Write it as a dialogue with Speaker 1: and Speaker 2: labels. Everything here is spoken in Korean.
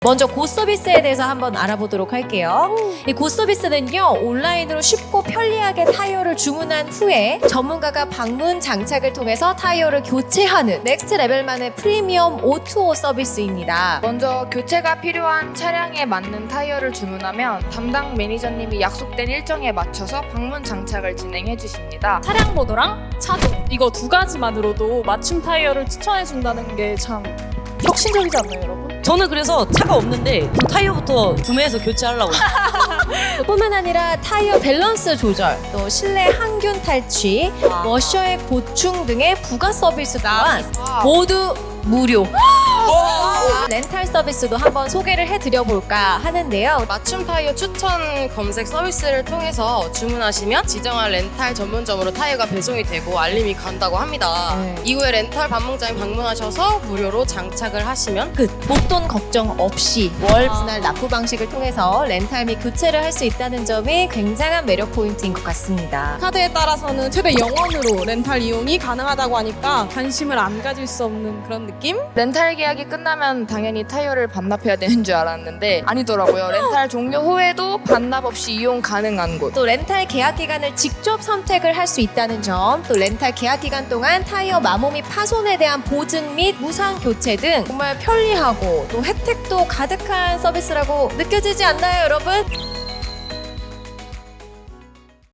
Speaker 1: 먼저 고서비스에 대해서 한번 알아보도록 할게요. 이 고서비스는요, 온라인으로 쉽고 편리하게 타이어를 주문한 후에 전문가가 방문 장착을 통해서 타이어를 교체하는 넥스트 레벨만의 프리미엄 O2O 서비스입니다.
Speaker 2: 먼저 교체가 필요한 차량에 맞는 타이어를 주문하면 담당 매니저님이 약속된 일정에 맞춰서 방문 장착을 진행해 주십니다.
Speaker 3: 차량 번호랑 차종 이거 두 가지만으로도 맞춤 타이어를 추천해 준다는 게 참 혁신적이지 않나요, 여러분?
Speaker 4: 저는 그래서 차가 없는데 그 타이어부터 구매해서 교체하려고.
Speaker 1: 뿐만 아니라 타이어 밸런스 조절, 또 실내 항균 탈취, 워셔의 보충 등의 부가 서비스 또한 모두 무료. 렌탈 서비스도 한번 소개를 해드려볼까 하는데요.
Speaker 5: 맞춤 타이어 추천 검색 서비스를 통해서 주문하시면 지정한 렌탈 전문점으로 타이어가 배송이 되고 알림이 간다고 합니다. 이후에 렌탈 방문장에 방문하셔서 무료로 장착을 하시면
Speaker 1: 끝. 목돈 걱정 없이 월 분할 납부 방식을 통해서 렌탈 및 교체를 할 수 있다는 점이 굉장한 매력 포인트인 것 같습니다.
Speaker 6: 카드에 따라서는 최대 0원으로 렌탈 이용이 가능하다고 하니까 관심을 안 가질 수 없는 그런 느낌?
Speaker 2: 렌탈 계약이 끝나면 당연히 타이어를 반납해야 되는 줄 알았는데 아니더라고요. 렌탈 종료 후에도 반납 없이 이용 가능한 곳.
Speaker 1: 또 렌탈 계약 기간을 직접 선택을 할 수 있다는 점, 또 렌탈 계약 기간 동안 타이어 마모 및 파손에 대한 보증 및 무상 교체 등 정말 편리하고 또 혜택도 가득한 서비스라고 느껴지지 않나요, 여러분?